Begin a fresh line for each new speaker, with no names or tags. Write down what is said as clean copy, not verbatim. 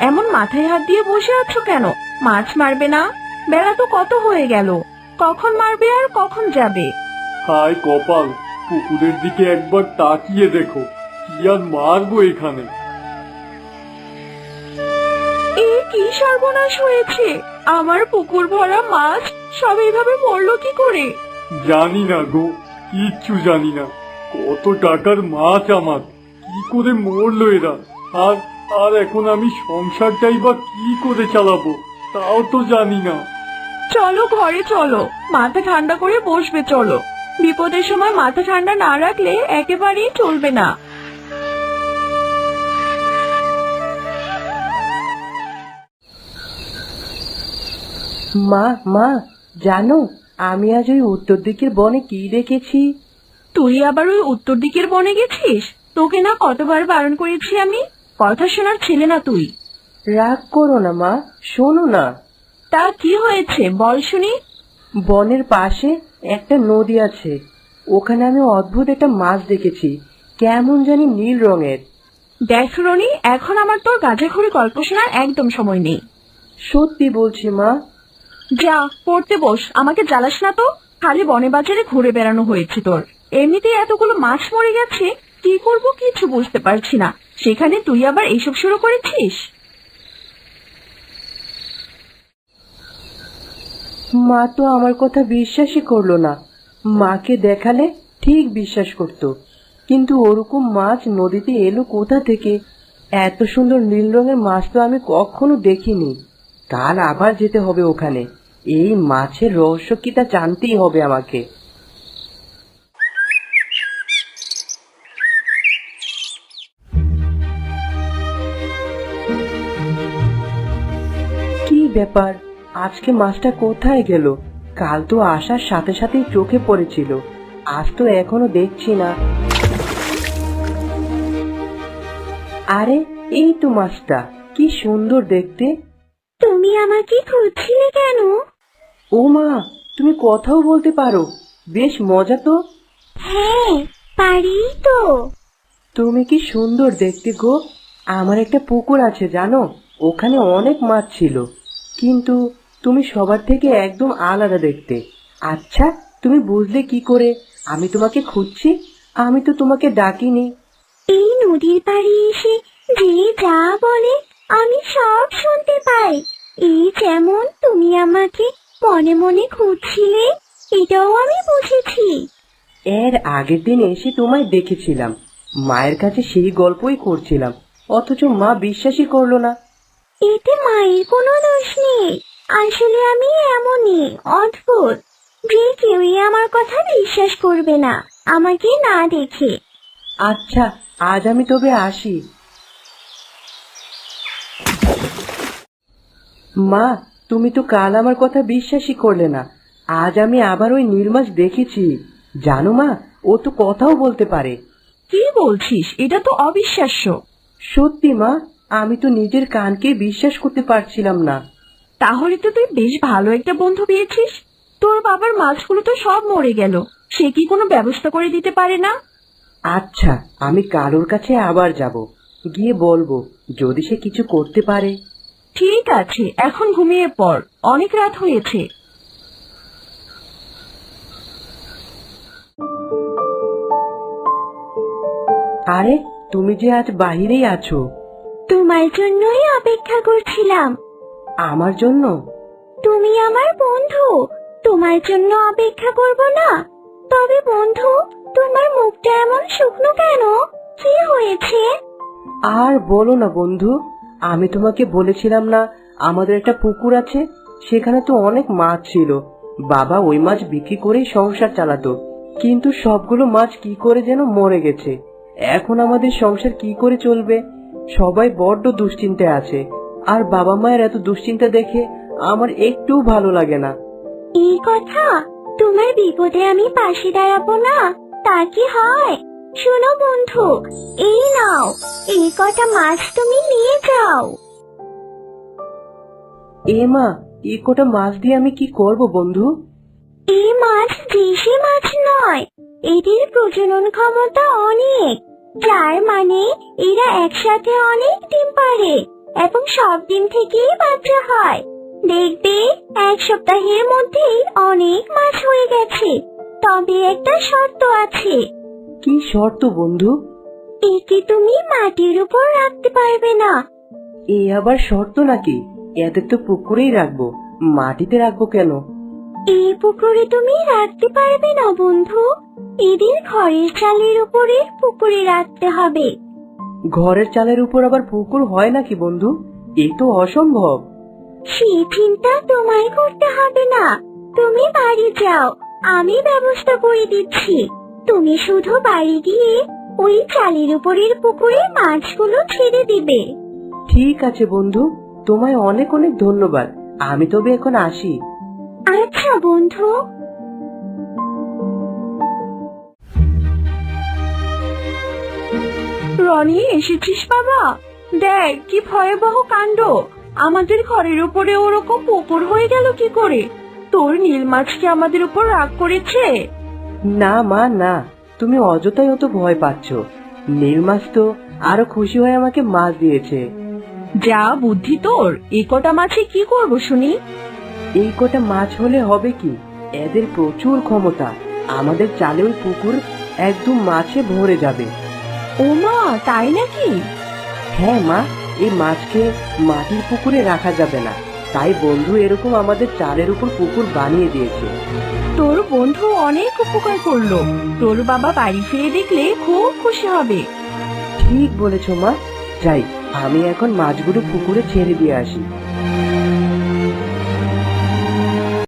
এমন মাথায় হাত দিয়ে বসে আছো কেন? মাছ মারবে না? বেলা তো কত হয়ে গেল, কখন মারবে আর কখন যাবে?
হায় কপাল, পুকুরের দিকে একবার তাকিয়ে দেখো, কি আর মারবো এখানে।
এ কি সর্বনাশ হয়েছে! আমার পুকুর ভরা মাছ সব এইভাবে মরলো কি করে?
জানি না গো, কিচ্ছু জানি না। কত টাকার মাছ আমার, কি করে মরলো এরা? আর আর এখন আমি সংসারটাই বা কি করে চালাবো, তাও তো জানি না।
চলো ঘরে চলো, মাথা ঠান্ডা করে বসবে চলো। বিপদের সময় মাথা ঠান্ডা না রাখলে একেবারেই চলবে না।
মা মা, জানো আমি আজ ওই উত্তর দিকের বনে কি দেখেছি?
তুই আবার ওই উত্তর দিকের বনে গেছিস? তোকে না কতবার বারণ করেছি আমি? কথা শোনার ছেলে না তুই।
রাগ করো না মা, শোনো না।
তা কি হয়েছে বল শুনি।
বনের পাশে একটা নদী আছে, ওখানে আমি অদ্ভুত একটা মাছ দেখেছি, কেমন জানি নীল রঙের।
দেখ রনি, এখন আমার তোর গাঁজাখড়ি গল্প শোনার একদম সময় নেই।
সত্যি বলছি মা।
যা পড়তে বস, আমাকে জ্বালাস না তো। খালি বনে বাজারে ঘুরে বেড়ানো হয়েছে তোর। এমনিতেই এতগুলো মাছ মরে গেছে, কি করব কিছু বুঝতে পারছি না, সেখানে তুই আবার এইসব শুরু করেছিস।
মা তো আমার কথা বিশ্বাসই করলো না। মাকে দেখালে ঠিক বিশ্বাস করতো, কিন্তু ওরকম মাছ নদীতে এলো কোথা থেকে? এত সুন্দর নীল রঙের মাছ তো আমি কখনো দেখিনি। কাল আবার যেতে হবে ওখানে, এই মাছের রহস্য কি তা জানতেই হবে আমাকে। কি ব্যাপার, আজকে মাছটা কোথায় গেল? কাল তো আসার সাথে সাথেই চোখে পড়েছিল, আজ তো এখনো দেখছি না। আরে এই তো মাছটা, কি সুন্দর দেখতে।
তুমি আমাকে খুঁজছিলে কেন?
ও মা, তুমি কথাও বলতে পারো, বেশ মজা তো।
হ্যাঁ, পারি তো।
তুমি কি সুন্দর দেখতে গো। আমার একটা পুকুর আছে জানো, ওখানে অনেক মাছ ছিল, কিন্তু তুমি সবার থেকে একদম আলাদা দেখতে। আচ্ছা, তুমি বুঝলে কি করে আমি তোমাকে খুঁজছি? আমি তো তোমাকে ডাকিনি।
এই নদীর পাড়ে এসে যে যা বলে আমি সব শুনতে পাই। এই যেমন তুমি আমাকে মনে মনে খুঁজছিলে, এটাও আমি বুঝেছি।
এর আগের দিন এসে তোমায় দেখেছিলাম, মায়ের কাছে সেই গল্পই করছিলাম, অথচ মা বিশ্বাসই করলো না।
এতে মায়ের কোনো দোষ নেই। আসলে আমি এমনই অদ্ভুত যে কেউই আমার কথা বিশ্বাস করবে না আমাকে না দেখে।
আচ্ছা, আজ আমি তবে আসি। মা, তুমি তো কাল আমার কথা বিশ্বাসই করলে না, আজ আমি আবার ওই নীল মাছ দেখেছি। জানো মা, ও তো কথাও বলতে পারে।
কি বলছিস? এটা তো অবিশ্বাস্য।
সত্যি মা, আমি তো নিজের কানকে বিশ্বাস করতে পারছিলাম না।
তাহলে তো তুই বেশ ভালো একটা বন্ধু পেয়েছিস। তোর বাবার মাছগুলো তো সব মরে গেল, সে কি কোনো ব্যবস্থা করে দিতে পারে না?
আচ্ছা, আমি কালোর কাছে আবার যাব, গিয়ে বলবো যদি সে কিছু করতে পারে।
ঠিক আছে, এখন ঘুমিয়ে পড়, অনেক রাত হয়েছে।
আরে, তুমি যে আজ বাহিরেই আছো?
তোমার জন্যই অপেক্ষা করছিলাম।
আমার জন্য?
তুমি আমার বন্ধু, তোমার জন্য অপেক্ষা করব না? তবে বন্ধু, তোমার মুখটা এমন শুকনো কেন? কি হয়েছে?
আর বলো না বন্ধু, আমি তোমাকে বলেছিলাম না আমাদের একটা পুকুর আছে, সেখানে তো অনেক মাছ ছিল। বাবা ওই মাছ বিক্রি করেই সংসার চালাতো, কিন্তু সবগুলো মাছ কি করে যেন মরে গেছে। এখন আমাদের সংসার কি করে চলবে? সবাই বড্ড দুশ্চিন্তায় আছে, আর বাবা মায়ের এত দুশ্চিন্তা দেখে আমার একটু ভালো লাগে না।
এই কথা, তোমার বিপদে আমি পাশে দাঁড়াবো না তা কি হয়? শোনো বন্ধু, এই নাও, এই কটা মাছ তুমি নিয়ে যাও।
এ মা, এই কটা মাছ দিয়ে আমি কি করব বন্ধু?
এই মাছ দেশি মাছ নয়, এদের প্রজনন ক্ষমতা অনেক, যার মানে এরা একসাথে অনেক ডিম পারে।
এবং সব ডিম থেকেই বাচ্চা হয়। দেখবে 1 সপ্তাহের মধ্যেই অনেক মাছ হয়ে গেছে। তবে একটা শর্ত আছে,
কি শর্ত বন্ধু?
একে তুমি মাটির উপর রাখতে পারবে না।
এ আবার শর্ত নাকি? এদের তো পুকুরেই রাখবো, মাটিতে রাখবো কেন?
এই পুকুরে তুমি রাখতে পারবে না বন্ধু, এদের ঘরের চালের উপরে পুকুরে রাখতে হবে।
ঘরের চালের উপর আবার পুকুর হয় নাকি বন্ধু? এ তো অসম্ভব।
সেই চিন্তা তোমায় করতে হবে না, তুমি বাড়ি যাও, আমি ব্যবস্থা করে দিচ্ছি। তুমি শুধু বাড়ি গিয়ে ওই চালের উপরের পুকুরে মাছগুলো ছেড়ে দিবে।
ঠিক আছে বন্ধু, তোমায় অনেক অনেক ধন্যবাদ। আমি তবে এখন আসি।
আচ্ছা বন্ধু।
রনি, এসেছিস বাবা? দেখ কি ভয়াবহ কাণ্ড, আমাদের ঘরের উপরে ওরকম পুকুর হয়ে গেল কি করে? তোর নীল মাছ কি আমাদের উপর রাগ করেছে?
না মা না, তুমি অযথাই অত ভয় পাচ্ছ। নীল মাছ তো আরো খুশি হয়ে আমাকে মাছ দিয়েছে।
যা বুদ্ধি তোর, এই কটা মাছে কি করবো শুনি?
এই কটা মাছ হলে হবে কি, এদের প্রচুর ক্ষমতা। আমাদের চালে ওই পুকুর একদম মাছে ভরে যাবে।
ও মা, তাই নাকি?
হ্যাঁ মা, এই মাছকে মাটির পুকুরে রাখা যাবে না, তাই বন্ধু এরকম আমাদের চালের উপর পুকুর বানিয়ে দিয়েছে।
তোর বন্ধু অনেক উপকার করলো, তোর বাবা বাড়ি ফিরে দেখলে খুব খুশি হবে।
ঠিক বলেছ মা, যাই আমি এখন মাছগুলো পুকুরে ছেড়ে দিয়ে আসি।